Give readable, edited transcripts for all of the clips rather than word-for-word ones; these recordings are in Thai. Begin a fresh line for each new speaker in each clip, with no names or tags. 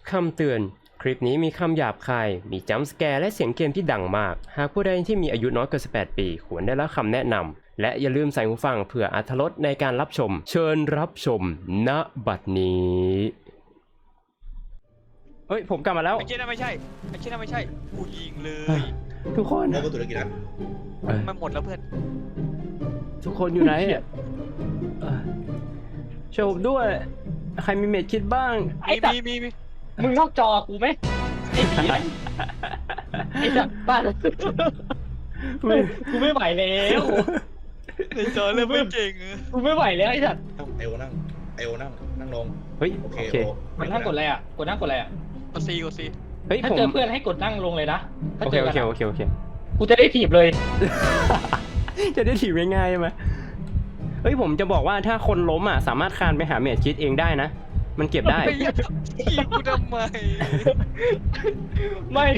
คำเตือนคลิปนี้มีคำหยาบคายมีจัมป์สแกร์และเสียงเกมที่ดังมากหากผู้ใดที่มีอายุน้อยกว่า18 ปีควรได้รับคำแนะนำและอย่าลืมใส่หูฟังเพื่ออรรถรสในการรับชมเชิญรับชมณบัดนี้เฮ้ยผมกลับมาแล้ว
ไอ้เช่นนั้นไม่ใช่ไอ้เช่นนั้นไม่ใช่กูยิงเลย
ทุกคน
โมกุตุรกิจนะ
มันหมดแล้วเพื่อน
ทุกคนอยู่ไหนอ่ะช่วยผมด้วยใครมีเม็ดคิดบ้าง
ไอ้สัตว์
มี
มึงนอกจอกูไหมไอ้ผีไอ้สัตว์บ้านกูไม่ไหวแล้ว
ในจอเริ่มไม่เก่ง
กูไม่ไหวแล้วไอ้สัตว์
เอวนั่งนั่งลง
เฮ้ย
โอเค
โอเค
กดนั่งกดอะไรอ่ะกดนั่งกดอะไรอ่ะ
กดซี
เฮ้ย
ถ้า
ผม
เจอเพื่อนให้กดนั่งลงเลยนะถ้า
โอ
เจ
เค
อ
โอ
กัน
เคโอเคโอเค
กูจะได้ถีบเลย
จะได้ถีบง่ายๆไหมเฮ้ยผมจะบอกว่าถ้าคนล้มอ่ะสามารถคานไปหาเมจคิดเองได้นะ มันเก็บได้
ไม่อยากทีบกูทำไม
ไม่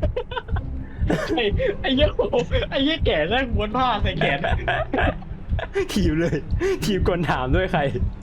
ไอ้เหี้ยโอ้ไอ้เหี้ยแก่นั่งม้วนผ้าใส่แขน
ถีบเลย ถีบก่อนถามด้วยใคร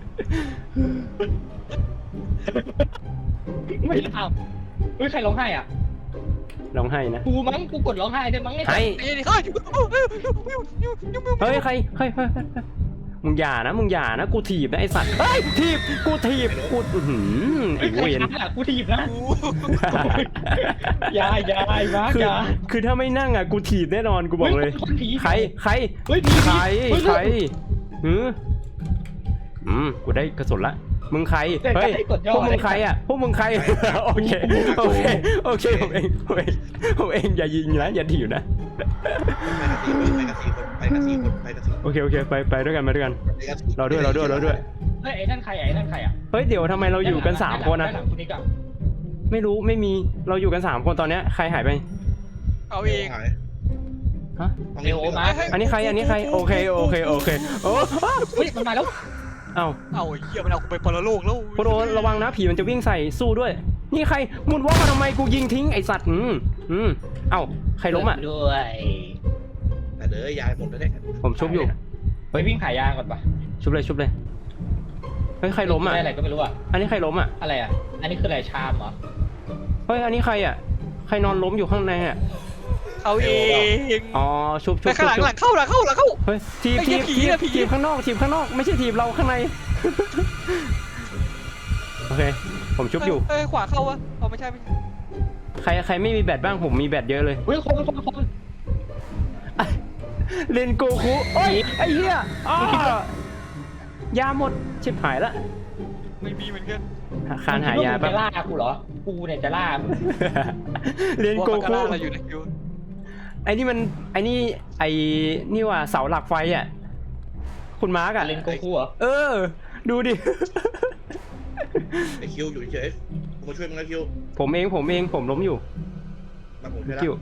ไม่ทำเฮ้ยใครร้องไห้อ่ะ
ร้องไห้นะ
กูมั้งกูกดร้องไห้ได้มั้งไอ้สัต
ให้
ว์
ไอ้นี่เฮ้ย
เฮ้ยใครเฮ้ยมึงอย่านะมึงอย่านะกูถีบนะไอสัตว์เฮ้ยถีบกูถีบกูอื้อหือไอ
เฮ้ยใคร
เวน
ช้าอ่ะกูถีบนะ
กู
ยายไอ้มาร์ก
คือย
า
คือถ้าไม่นั่งอ่ะกูถีบแน่นอนกูบอกเลย
คนผี
ใคร
เฮ้ยผี
ใคร
เฮ้ย
ใครกูได้กระสุนละมึงใครเฮ้ยพวกมึงใครอ่ะพวกมึงใครโอเคผมเองอย่ายิงนะอย่าถีบนะ
ไปกันสี่คน
โอเคไปด้วยกันเราด้วย
เฮ้ยไอ้นั่นใครไอ้นั่นใครอ่ะ
เฮ้ยเดี๋ยวทำไมเราอยู่กัน3คนนะ
ด้านหลังคุณนิกอะ
ไม่รู้ไม่มีเราอยู่กัน3คนตอนเนี้ยใครหายไป
เอาเอง
ฮะ
เร็วมา
อันนี้ใครโอเคโอ้
เฮ้ยมันมาแล้ว
เอ้า
เอาไอ้เหี้ยมันเอากูไปปรโลกแล้ว
โคโดระวังนะผีมันจะวิ่งใส่สู้ด้วยนี่ใครมุนว่ามาทำไมกูยิงทิ้งไอสัตว์เอ้าใครล้มอ่ะ
ด้วย
แต่เด้อยายหมดแล้วเนี่ย
ผมชุบอยู่
ไปวิ่งขายยางก่อนปะ
ชุบเลยเฮ้ยใครล้มอ่ะ
ได้อะไรก็ไม่รู้อ่ะ
อันนี้ใครล้มอ่ะ
อะไรอ่ะอันนี้คืออะไรชามเหรอ
เฮ้ยอันนี้ใครอ่ะใครนอนล้มอยู่ข้างในอ่ะ
เอาเอง
อ๋อชุบ
ไปข้างหลังเข้า
เฮ้ยทีบข้างนอกไม่ใช่ทีบเราข้างในโอเคผมชุบอยู่
เอ้ยขวาเข้าวะเอาไม่ใช่
ใครไม่มีแบตบ้างผมมีแบตเยอะเลย
เฮ้ยคน
เล่นโกคุโอ้ยไอ้เหี้ยยาหมดชิบหายละ
ไม่มีเหมือนกัน
คานหายา
จะ
ปะ
ล่ากูเหรอกูเนี่ยจะล่า
เล่นโกคุ
เราอยู่ในคิว
ไอ้นี่ว่าเสาหลักไฟอ่ะคุณมาร์กอ่ะ
เล่นโกคูเหรอ
ดูดิ
ไอคิวอยู่เฉยกูมาช่วยมึงนะคิว
ผมเองผมล้มอยู่
มาผมช่วย
คิว
ละ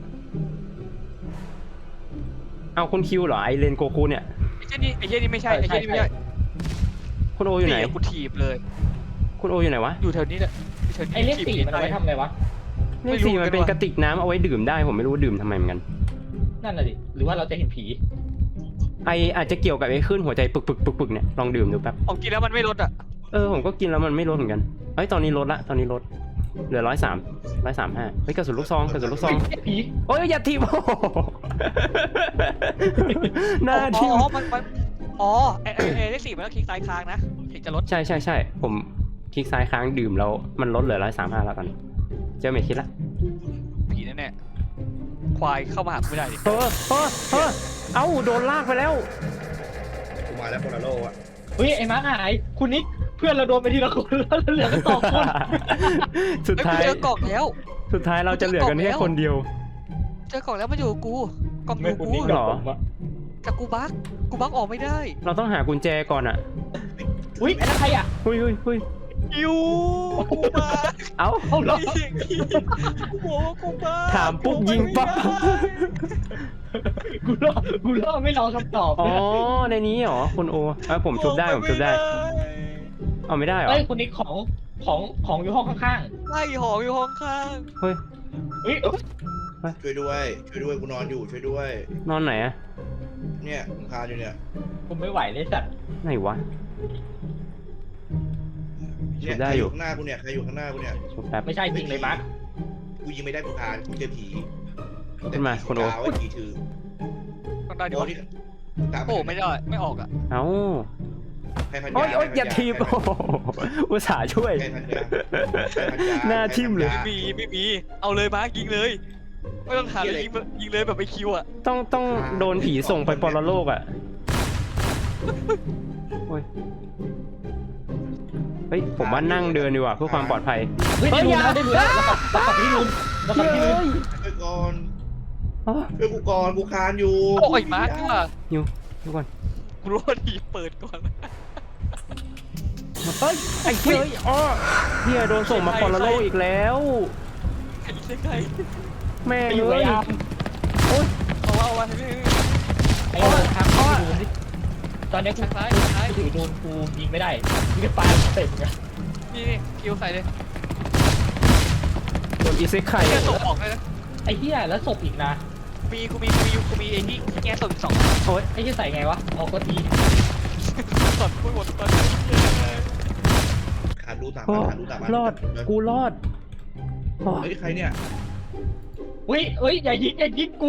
เอาคุณคิวเหรอไอเลนโกคุเนี่ย
ไอ้เช่นนี้ไม่ใช่ไอ้เช่นนี้ไม่ใช่
คุณโออยู่ไหน
กูถีบเลย
คุณโออยู่ไหนวะ
อยู่แถวนี้แหละ
ไอ้เลขสี่มันเอาไว้ทำอะไรวะ
เลขสี่มันเป็นกระติกน้ำเอาไว้ดื่มได้ผมไม่รู้ดื่มทำไมเหมือนกัน
นั่นน่ะดิหรือว่าเราจะเห็นผี
ไออาจจะเกี่ยวกับไอ้ขึ้นหัวใจปึกเนี่ยลองดื่มดูแป๊บ
ผมกินแล้วมันไม่ลดอ่ะ
ผมก็กินแล้วมันไม่ลดเหมือนกันเฮ้ยตอนนี้ลดเหลือ135เฮ้ยกระสุนลูกซอง
ผี
โอ้ยอย่าทีบ หน้าทีบ
อ๋อไอ้เลขสี่มันต้องคลิกซ้ายค้างนะถึงจะลด
ใช่ผมคลิกซ้ายค้างดื่มแล้วมันลดเหลือ135แล้วตอนนี้เจอเมทคิดละ
ผีแน่ๆควายเข้ามาหาไม่ได้ดิ
เอ้าโดนลากไปแล้ว
กูมาแล้วโปลาโลอ่ะ
เฮ้ยไอ้มาร์คหายคุณนิกเพื่อนเราโดนไปทีละคนแล้วเหลือกัน2 คน
สุด
เฮ้ย
ท้าย
เจอกล่องแล้ว
เราจะเหลือกันแค่คนเดียว
เจอกล่องแล้วมันอยู่กับกูกล่องอยู่กู
เหรอ
กับกูบักออกไม่ได้
เราต้องหากุญแจก่อนอ่ะ
อุ้ยไอ้นั่นใครอ่ะ
เฮ้ย
อยู่กูบัก
เอ้า
เอาเหรอ
เสียงผีกูบอกว่ากูบัก
ถามปุ๊บยิงปั๊บ
กูรอไม่รอคำตอบ
อ๋อในนี้เหรอคุณโอผมชุบได้เอาไม่ได้เหรอ
เฮ้ยคุณนิกของอยู่ห้องข้าง
ไล่หองอยู่ห้องข้าง
เฮ้ย
ๆเฮ้ย
ช่วยด้วยกูนอนอยู่ช่วยด้วย
นอนไหนอะ
เนี่ยมึงคานอยู่เนี่ย
ผมไม่ไหวเลยสัตว์
ไหนวะ
เเนี่ย
ได้
ใคร
อ
อยู่ ยู่ข้างหน้ากูเนี่ยใครอยู่ข้างหน้ากูเนี่ย
ชุบแป๊บ
ไม่ใช่จริงเลยมาร์ค
กูยิงไม่ได้กูคานกูเจอผี
ขึ้นมาคุณโอ
แต่ผีสีขาวไอ้ผีถือ
ต้องได้ดิ
โอ้
วะ
นี่ตาม
โอ้ไม่ได้ไม่ออกอ่ะ
เอ้า
ใครพันยา
โอ๊ยโอ๊ย
ใครพัน
อย่าทีบ
ใคร
โอ้โหอุตส่าห์ช่วย
ใครพันยาใครพันยา
หน้าทิ่มเลย
ใครพัน
ไม่
ยา
มีไม่มีเอาเลยมาร์คยิงเลยไม่ต้องถามเลยยิงเลยแบบไปคิวอ่ะ
ต้องโดนผีส่งไปปรโลกอ่ะโอ้ยเฮ้ยผมว่านั่งเดินดีกว่าเพื่อความปลอดภัย
เฮ้ย
เฮ้ย
ได้ลุ้นแล้วเรากลับที่ลุ้นเรากลับที่ลุ้น
ช่วยก่อน
อ๋อ
ช่วยกูก่อนกูคานอยู่
โอ้ยมาร์คว่ะ
อยู่ทุกคน
กูรู้ว่าทีเปิดก่อน
เฮ้ยไอ้เฮ้ยอ๋อเฮียโดนส่งมาปรโลกอีกแล้ว
ใครใคร
แม่ง
ไปอยู่
เล
ไอ้
ย
อาร์ม
เอาไว้
ไอ้เราทางที่ลุ้นตอนนี้กู
ซ้ายซ้าย
ถือโดนกูยิงไม่ได้ยิงได้ปลาเต็มไง
นี่คิวใส่เลย
โดนอีเซ็กไข่
แค่ส่งออกเลยนะ
ไอ้เหี้ยแล้วศพอีกนะ
กูมีไอ้ที่แง่ส่ง2
โอ๊ย
ไอ้เหี้ยใส่ไงวะเอาก็ที
สดพูดหมดตอน
คานรู้ตาม
โอ้
คานรู้ตาม
รอดกูรอดโอ้
เฮ้ยใครเนี่ย
เฮ้ยอย่ายิงกู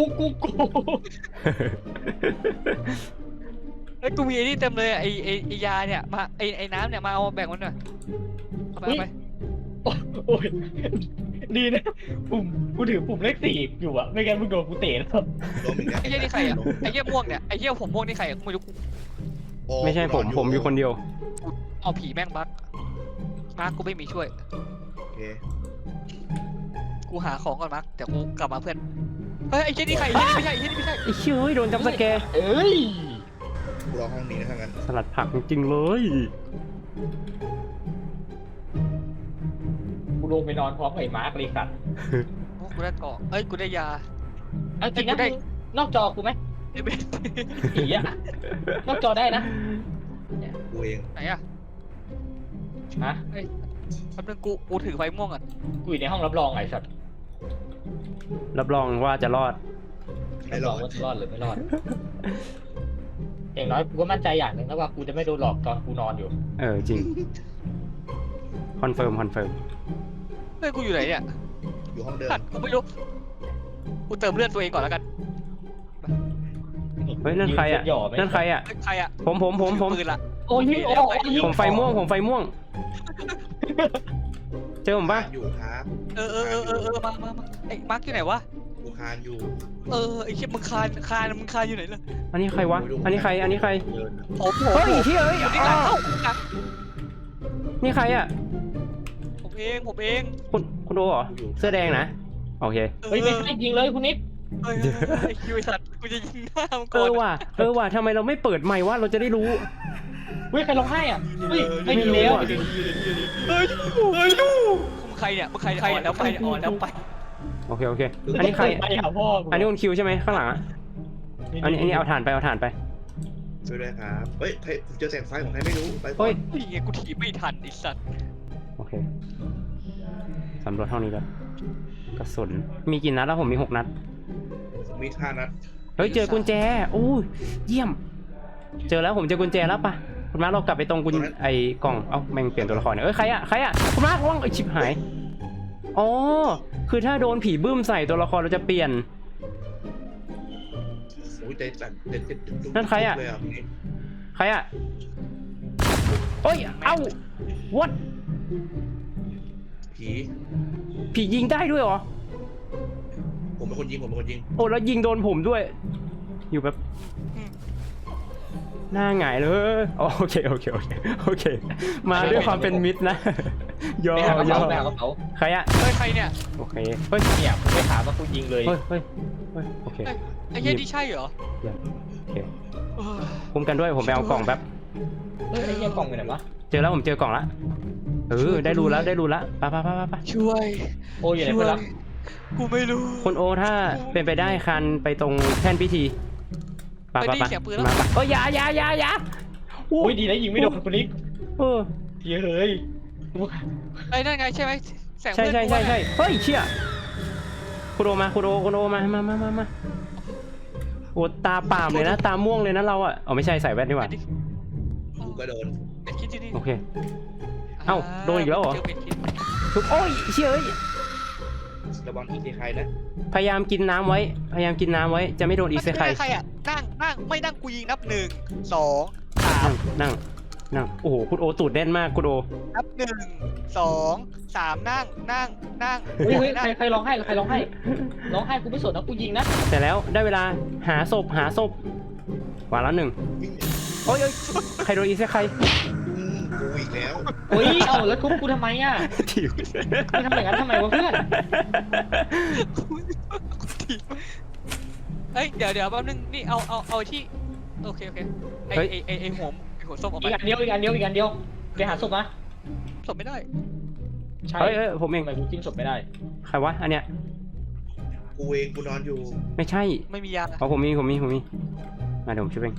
ไอ้กูมีไอ้นี่เต็มเลยไอ้ยาเนี่ยมาไอ้น้ำเนี่ยมาเอาแบ่งมันหน่อยเอาไป
โอ้ยดีนะกูถือปุ่มเลข4อยู่อะไม่งั้นมึงโดนกูเตะแล้ว
ล้มอีกแล้ว
ไอ้เหี้ยนี่ใครอ่ะไอ้เหี้ยม่วงเนี่ยไอ้เหี้ยผมม่วงนี่ใครอ่ะกูไม่รู้
โอ้
ไม่ใช่ผมอยู่คนเดียว
เอาผีแม่งบั๊กมาร์คกูไม่มีช่วย
โอเค
กูหาของก่อนมาร์คเดี๋ยวกูกลับมาเพื่อนเฮ้ยไอ้เหี้ยนี่ใครไอ้เหี้ยนี่ไม่ใช่ไอ้เหี้ยนี่ไม่ใช่
ไอ้เฮ้ยโดนจับสแกร์
เอ้ย
กูรอห้องนี้นะถ้างั้น
สลัดผักจริงๆเลย
กูลงไปนอนพร้อมกับไอ้มาร์คเลยสัตว์
โอ้กูได้เกาะเอ้ยกูได้ยา
เอาจริงนะ
กูได้
นอกจอกูไหม
ไอ้เบส
ผีอะนอกจอได้นะ
กูเอง
ไหนอ่ะ
ฮะ
เฮ้ยแป๊บนึงกูถือไฟม่วงอ่ะ
กูอยู่ในห้องรับรองไอ้สัตว์
รับรองว่าจะรอด
ไม่รอด
ว่าจะรอดหรือไม่รอด อย่างน้อยกูก็มั่นใจอย่างหนึ่งแล้วว่ากูจะไม่โดนหลอกตอนกูนอนอยู่
เออจริงคอนเฟิร์ม
เฮ้ยกูอยู่ไหนเนี่ย
อยู่ห้องเดิม
ตัดกูไม่รู้กูเติมเลือดตัวเองก่อนแล้วกัน
เฮ้ยนั่นใครอ่ะ
ยืเส้หย่ไหม
นั่นใครอ่ะ
เฮ้ยใครอ่ะ
ผม
ถือปืนละ
โอ้ยโอ้ย
ผมไฟม่วงเจอผมปะ
อยู่ครับ
เออมาไอ้มาร์คอยู่ไหนวะ
กูคานอยู่
ไอ้เชี่ยมึงคานอยู่ไหนล่ะ
อันนี้ใครวะ อันนี้ใคร
เดิน
ผม
เฮ้ยเฮ้ยเฮ้ย
อยู่ที่หลังเข้าหลัง
นี่ใครอ่ะ
ผมเอง
คุณโดเหรอ เสื้อแดงนะ โอเค
เฮ้ยไม่ใช่ยิงเลยคุณนิด
ไอ้คิวไอ้สัตว์กูจะยิงหน้ามึง
เอ
ก่อน
อว่ะทำไมเราไม่เปิดไมค์ว่าเราจะได้รู้
เฮ้ยใครร้องไห้อ่ะเฮ้ยไม่มี
ไม่รู้
แล้ว
อะ
มึงใครเนี่ยแล้วไปแล้วไป
โอเค อันนี้ใคร
ไปหาพ่อ
อันนี้คุณคิวใช่ไหมข้างหลังอ่ะ อันนี้เอาถ่านไป
ช่วยด้วยครับเฮ้ยใครเจอแสงไฟของใครไม่รู้ไปก่อ
เฮ้ย
น
นี่ไงกูถีบไม่ทันไอ้สัตว์
โอเคสำรวจห้องนี้แล้วกระสุน มีกี่นัดแล้วผมมี6 นัด
มี5 นัด
เฮ้ยเจอกุญแจโอ้ยเยี่ยม เจอแล้วผมเจอกุญแจแล้วปะคุณมาร์คเรากลับไปตรงกุญไอ้กล่อง เอ้าแม่งเปลี่ยนตัวละครเนี่ยใครอะคุณมาร์คว่างไอ้ชิบหาย อ๋อ คือถ้าโดนผีบึ้มใส่ตัวละครเราจะเปลี่ยน
โอ้ยใจสั่นเด็ด
นั่นใครอะ
เลยอ่ะ
ใครอะโอ้ย เอ้า what
ผี
ผียิงได้ด้วยเหรอ
ผมเป็นคนยิง
โอ้แล้วยิงโดนผมด้วย อยู่แบบหน้าหงายเลยอ๋อโอเค มาด้วยความเป็นมิตรนะ ยอ
ไปหากระ
ยอ
เป๋าไปหากระเป๋า
ใครอะ
เฮ้ยใครเนี่ย
โอเค เฮ้ย
เนี่ยผมไปถามว่ากูยิงเลย
เฮ้ย โอเค
ไอ้เหี้ยนี่ใช่เหรอ
โอเคคุ้มกันด้วยผมไปเอากล่องแป๊บ
เฮ้ยไอ้เหี้ยกล่องอยู่ไหนวะ
เจอแล้วผมเจอกล่องละได้รู้แล้วไป
ช่วย
โอ้ยอยู่ไหนเพื่อนรัก
กูไม่รู้
คุณโอถ้าเป็นไปได้คันไปตรงแท่นพิธีไป
ได้ยินเสียงปืนแล้ว
มาโอ้ยอย่า
โอ้ยดีนะยิงไม่โดนคุณนิด
เออ
เฮ้ย
ไอ้นั่นไงใช่ไหมแสง
ใช่
เพื่อนกูว่าไง
เฮ้ยเชี่ยคุณโอมาโอ้ตาป่ามเลยนะตาม่วงเลยนะเราอ่ะอ๋อไม่ใช่ใส่แว่นดีกว่า
กูก็โดน
ไอ้คิดที่นี่
โอเคเอ้าโดนอีกแล้วเหรอ
เจเป็นคิด
ทุกโอ้ยเชี่ยเอ้ย
ระวังอีเซไคนะ
พยายามกินน้ำไว้ พยายามกินน้ำไว้ จะไม่โดนอีเซไค
ใครอ่ะนั่งไม่นั่งกูยิงนับ1 2 3
นั่ง โอ้โห คุณโอตูดแน่นมาก คุณโอ
นับ1 2 3นั่ง
เฮ้ยใครร้องไห้ร้องไห้กูไม่สนนะกูยิงนะ
แต่แล้วได้เวลาหาศพวางแล้วหนึ่ง
วิ่ง
โอ้ยใครโดนอีเซไค
กูอีกแล้ว
เฮ้ยเอาแล้วทุบกูทำไมอ่ะ
ถิว
มึงทำอย่างนั้นทำไมวะเพื่อน
เฮ้ยเดี๋ยวแป๊บนึงนี่เอาที่โอเคไอหัวส้มออก
อี
ไป
กอันเดียวไปหาศพมา
สมไม่ได้
ใช่
เฮ้ยผมเอง
ทำไมกูกินศพไม่ได้
ใครวะ อันเนี้ย
กูเองกูนอนอยู่
ไม่ใช่
ไม่มียา
อ๋อผมมีมาเดี๋ยวผมช่วยเอง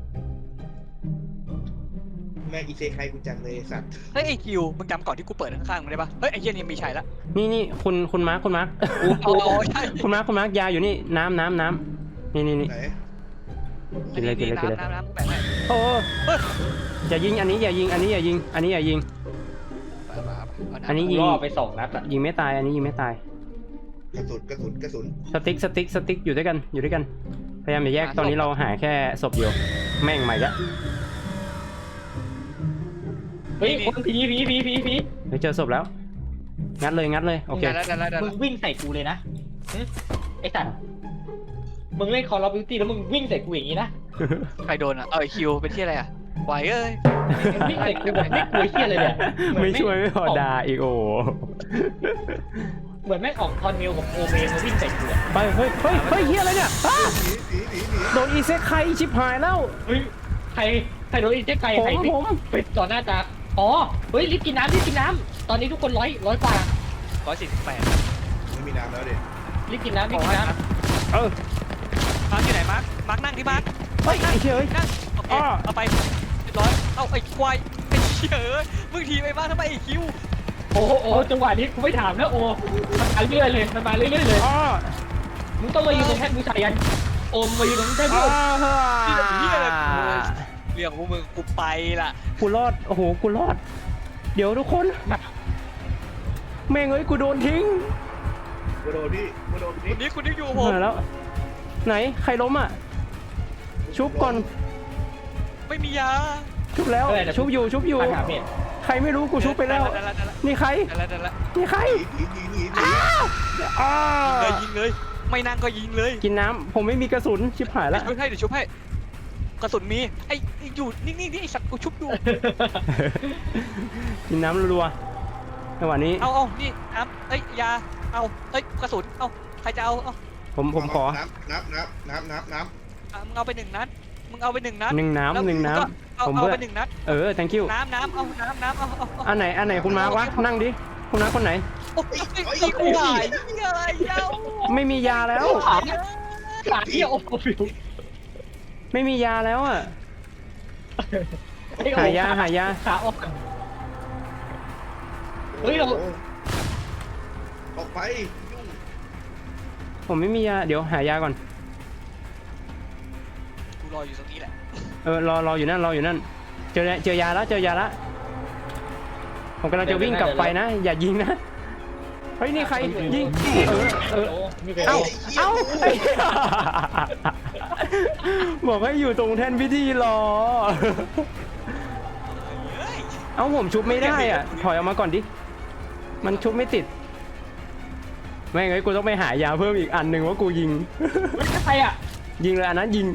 แม่งอีเซไคกูจังเลยสัตว์
เฮ้ยไอคิวมึงจำก่อนที่กูเปิดข้างๆมึงได้ปะเฮ้ยไอเหี้ยนี่มีชัยละ
นี่คุณมาร์ค
เอาใช่
คุณมาร์คยาอยู่นี่น้ำนี่
ไหน
กินเลย
น้ำกูแบ่งให้
โอ้อย่ายิงอันนี้อย่ายิง อันนี้อย่ายิง อันนี้ยิง
ล่อไป2 นัดอ่ะ
ยิงไม่ตาย อันนี้ยิงไม่ตาย
กระสุน
สติ๊กอยู่ด้วยกัน พยายามอย่าแยก ตอนนี้เราหาแค่ศพเดียว แม่งใหม่ละ
เฮ้ยคนผี
เฮ้ยเจอศพแล้ว งัดเลย โอเค
ได้
มึงวิ่งใส่กูเลยนะไอ้สัตว์มึงเล่น Call of Duty แล้วมึงวิ่งใส่กูอย่างนี้นะ
ใครโดนอ่ะไอคิวเป็นที่อะไรอ่ะไหวเอ้ย
มึงวิ่งใส่กูแบบไม่กลัวเหี้ยเลยเนี่ย
ไม่ช่วยไม่พอด่าอีกโอ้
เหมือนแม่งออกทอนมิลกับโอเมนมาวิ่งใส่กูอะ
ไปเฮ้ยเฮียอะไรเนี่ยอ้า
หนี
โดนอีเซไคชิบหายแล้ว
เฮ้ยใครโดนอีเจ๊ไก่
ผม
ใครไปต่อหน้าตาอ๋อเฮ้ยรีบกินน้ำตอนนี้ทุกคนร้อยกว่า
148
ไม่มีน้ำแล้วเด็
รีบกินน้ำ
เออ
มาร์คอยู่ไหนมาร์คนั่งที่มาร์ค
เฮ้ยไอ้เชี่ยเอ้ย
นั่งโอเคเอาไปเรียบร้อยเอาไอ้ควายไอ้เชี่ยมึงทีไปบ้างทำไมไอ้คิว
โอ้จังหวะนี้กูไม่ถามนะโอ้มันมาเรื่อยเลยเลย
อ้อ
มึงต้องมายืนตรงแท่นบูชายันโอมมายืนตรงแท่นบู
อ้า
ชา
เฮียอะไรเรื่องของมึงกูไปละ
กูรอด โอ้โห กูรอด เดี๋ยวทุกคน แม่งเอ้ย กูโดนทิ้ง
กูโดนนี่
คุณนี่อยู่กับผม
มาแล้ว ไหน ใครล้มอ่ะ ชุบก่อน
ไม่มียา
ชุบแล้ว ชุบอยู่
ถามเนี่ย
ใครไม่รู้กูชุบไปแล้ว นี่ใคร
ได้ละ
นี่ใคร
หนี
อ้า
ยิงเลยไม่นั่งก็ยิงเลย
กินน้ำ ผมไม่มีกระสุน ชิบหายแล้ว
เดี๋ยวชุบให้กระสุนมีไอ้อยู่นิ่งๆนี่ไอ้สัตว์กูชุบอยู่
กินน้ำรัวๆจังหวะนี้
เอานี่น้ำเอ้ยยาเอาเอ้ยกระสุนเอาใครจะเอาเอา
ผมขอ
น้ำ
มึงเอาไป1 นัดมึงเอาไป1 นัด
หนึ่งน้ำ
เอา
ผม
เอา
เบื่อ
ไป1 นัด
thank you
น้ำเอาน้ำเอา
อันไหนคุณมาวะ นั่งดิ คุณมาคนไหน
โอ้ยไอ้กูหายอะไรเจ้า
ไม่มียาแล้ว
ขาเที่ยวโอ้ฟิว
ไม่มียาแล้วอ่ะ หายา
ขาออกเฮ้ยเรา
ออกไป
ผมไม่มียา เดี๋ยวหายาก่อน
กูรออยู่ตรงนี้แหละ
รออยู่นั่น เจอยาแล้ว ผมกำลังจะวิ่งกลับไปนะ อย่ายิงนะ เฮ้ย นี่ใครยิง เอ้าไอ้บอกให้อยู่ตรงแท่นพิธีรอ เอ้าผมชุบไม่ได้อ่ะ ถอยออกมาก่อนดิ มันชุบไม่ติด ไม่งั้นกูต้องไปหายาเพิ่มอีกอันหนึ่งว่ากูยิง
ใครอ่ะ
ยิงเลยอันนั้นยิง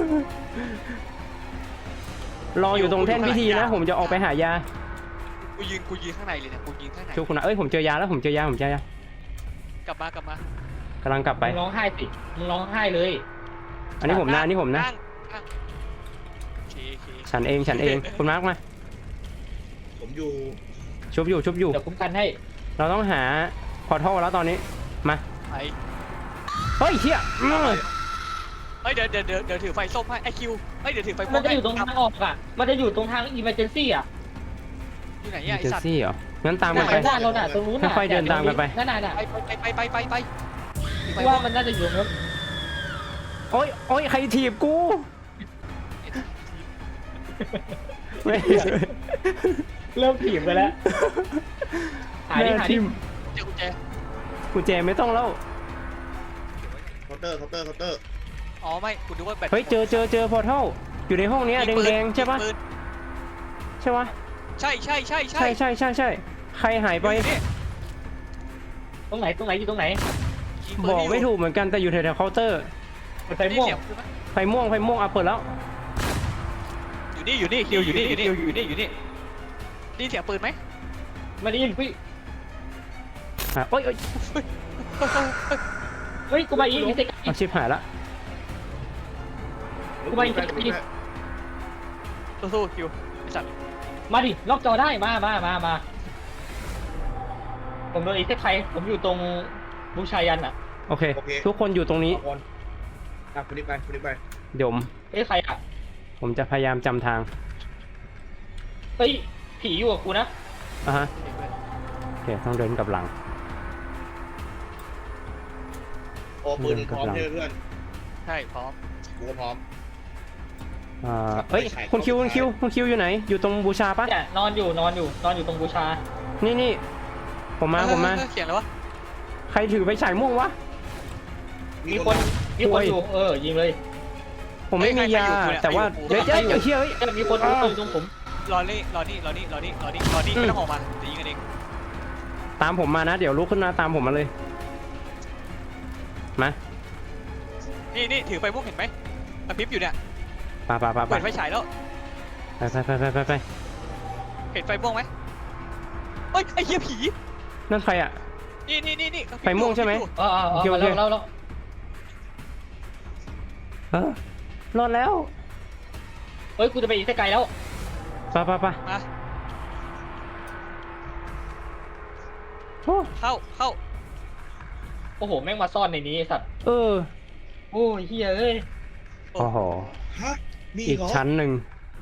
รออยู่ตรงแท่นพิธีนะ ผมจะออกไปหายา
กูยืนข้างในเลยเนี่ยกูยืนข้างใน
ชุบคุณนะเอ้ยผมเจอยาแล้วผมเจอยา
กลับมาก
กำลังกลับไป
มึงร้องไห้สิมึงร้องไห้เลย
อันนี้ผมนะ
นั่งโอเค
ฉันเองคุณมาร์กมา
ผมอยู่
ชุบอยู่
เดี๋ยวคุ้มกันให้
เราต้องหาพอร์ทัลแล้วตอนนี้ มา
ไป
เฮ้ยเฮีย
เฮ้ยเดี๋ยวถือไฟส้มให้ไอคิวเฮ้ยเดี๋ยวถือไฟ
มันจะอยู่ตรงทางออกอ่ะมันจะอยู่ตรงทาง emergency อ่ะ
อยู่ไหน
เจ
ไอ
อ
สัตว์
ซี่เหรอ งั้นตามกันไป
ด้านเราน่ะตรงนู้นน่ะ
ค่อยๆเดินตามกันไป
นั่นน่ะ
ไป
ว่ามันน่าจะอยู่ตรงนู้น
โอ๊ยใครถีบกูไม่
เริ่มถีบไปแล้วหาดิหาดิ
ทิม
เจอกุญแจ
กุญแจไม่ต้องแล้ว
เคาน์เตอร์เคาน์เตอร์เคาน์เตอร์
อ๋อไม่กูดูว่าแบต
เฮ้ยเจอพอร์ทัลอยู่ในห้องเนี้ย
ยิปืน
แดงๆใช่ปะ
ยิงปืน
ใช่ปะ
ใช่
ใช่ใครหายไป
อยู่นี่
ตรงไหนอยู่ตรงไหน
ยิงปืน
บอกไม่ถูกเหมือนกันแต่อยู่แถวๆเคาน์เตอร์
เปิดไฟ
นี่
ม่วง
เสียงปืนไหม
ไฟม่วงอ่ะเปิดแล้ว
อยู่นี่คิวอยู่นี่นี่เสียงปืนไหม
ไม่ได้ยินพี่
อ่ะเอ้ย
เฮ้ยกูมาอีกมีเตะ
เอาชิบหายละ
กูไปอีก
สู้ๆคิวไอ้สัตว์
มาดิล็อกจอได้มาผมโดนอีกเซกใครผมอยู่ตรงบูชายันอ่ะ
โอเค ทุกคนอยู่ตรงนี้
เอาคนคุณนี่ไปคุณนี่ไป
เดี๋ยว
เอ้ยใครอ่ะ
ผมจะพยายามจำทาง
เฮ้ยผีอยู่กับกูนะ
อ่ะฮะโอเคต้องเดินกลับหลัง
โอ้ปืนพร้อมใช่ไหมเพื่อน
ใช่พร้อม
กูก็พร้อม
เอ้ยคุณคิวอยู่ไหน อยู่ตรงบูชาปะ
เนี่ยนอนอยู่ตรงบูชา
นี่ผมมา
เสียงแล้ววะ
ใครถือไปฉายม่วงวะ
มีคนอยู่ยิงเลย
ผมไม่มียาแต่ว่าเดี๋ยวเชี่ยเฮ้ย
มีคนอยู่ตรงผม
รอนี่ไม่ต้องออกมาจะยิงกันเอง
ตามผมมานะเดี๋ยวลุกขึ้นมาตามผมมาเลยมา
นี่ถือไฟพวกเห็นไหมกระพริบอยู่เนี่ย
ไป
เปิดไฟฉายแล้ว
ไป
เห็นไฟม่วงไหมเฮ้ยไอ้เหี้ยผี
นั่นใครอ่ะ
นี่
ไฟม่วงใช่ไหม
แล้ว
รอดแล้ว
เฮ้ยกูจะไปอีกเซกไกลแล้ว
ไป
มา
โอ้
เข้า
โอ้โหแม่งมาซ่อนในนี้ไอ้สัตว์
เออ
โอ้ยเฮียเอ้ย
โอ้โห
ฮะมี
อีก
เหรอ
ชั้นหนึ่ง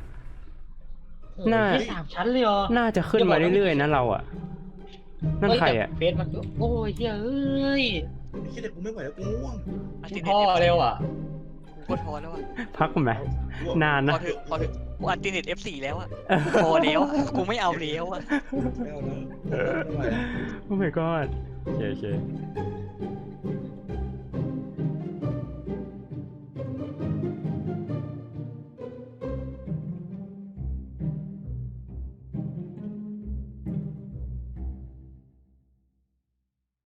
น่า
สามชั้นเลยเหรอ
น่าจะขึ้นมาเรื่อยๆนะเราอ่ะนั่นใครอ่ะ
เฟซมันโอ้ยเฮียเอ้ย
ไอ้เหี้ยเด็กกูไม่ไหวแล้วกูง่วง
พ่อเร็วอ่ะ
โคตรพอแล้วอ่ะ
พักกันไหม นานนะ
พอเถอะกูอันติเน็ต F4 แล้วอ่ะพอแล้วกูไม่เอาแล้วอ่ะ
ไม่เอาแล้วไม่ไหวแล้ว
โอ้ my god โอเค